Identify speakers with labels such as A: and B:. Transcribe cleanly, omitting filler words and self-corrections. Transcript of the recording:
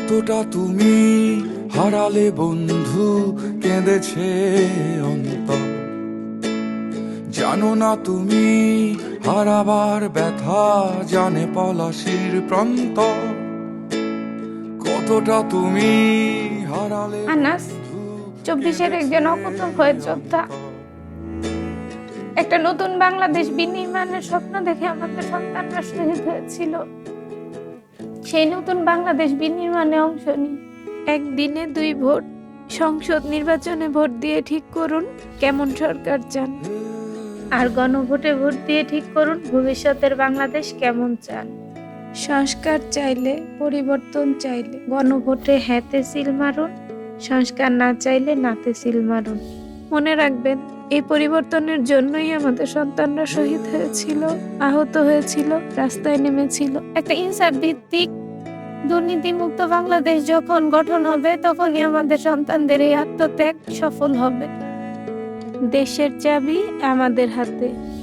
A: কতটা তুমি হারালে বন্ধু, কেঁদেছে অন্তর। জানো না তুমি হারাবার ব্যথা, জানে পলাশির প্রান্ত। কতটা তুমি হারালে
B: আনাস 24-এর একজন অকুতোভয় যোদ্ধা। একটা নতুন বাংলাদেশ বিনির্মাণের স্বপ্ন দেখে আমাদের সন্তানরা শহীদ হয়েছিল। সেই নতুন বাংলাদেশ বিনির্মাণে অংশ নিই। একদিনে 2 ভোট, সংসদ নির্বাচনে ভোট দিয়ে ঠিক করুন কেমন সরকার চান, আর গণভোটে ভোট দিয়ে ঠিক করুন ভবিষ্যতের বাংলাদেশ কেমন চান। সংস্কার চাইলে, পরিবর্তন চাইলে গণভোটে হ্যাঁতে সিল মারুন, সংস্কার না চাইলে নাতে সিল মারুন। মনে রাখবেন, এই পরিবর্তনের জন্যই আমাদের সন্তানরা শহীদ হয়েছিল, আহত হয়েছিল, রাস্তায় নেমেছিল। একটা ইনসাফ ভিত্তিক দুর্নীতিমুক্ত বাংলাদেশ যখন গঠন হবে, তখনই আমাদের সন্তানদের এই আত্মত্যাগ সফল হবে। দেশের চাবি আমাদের হাতে।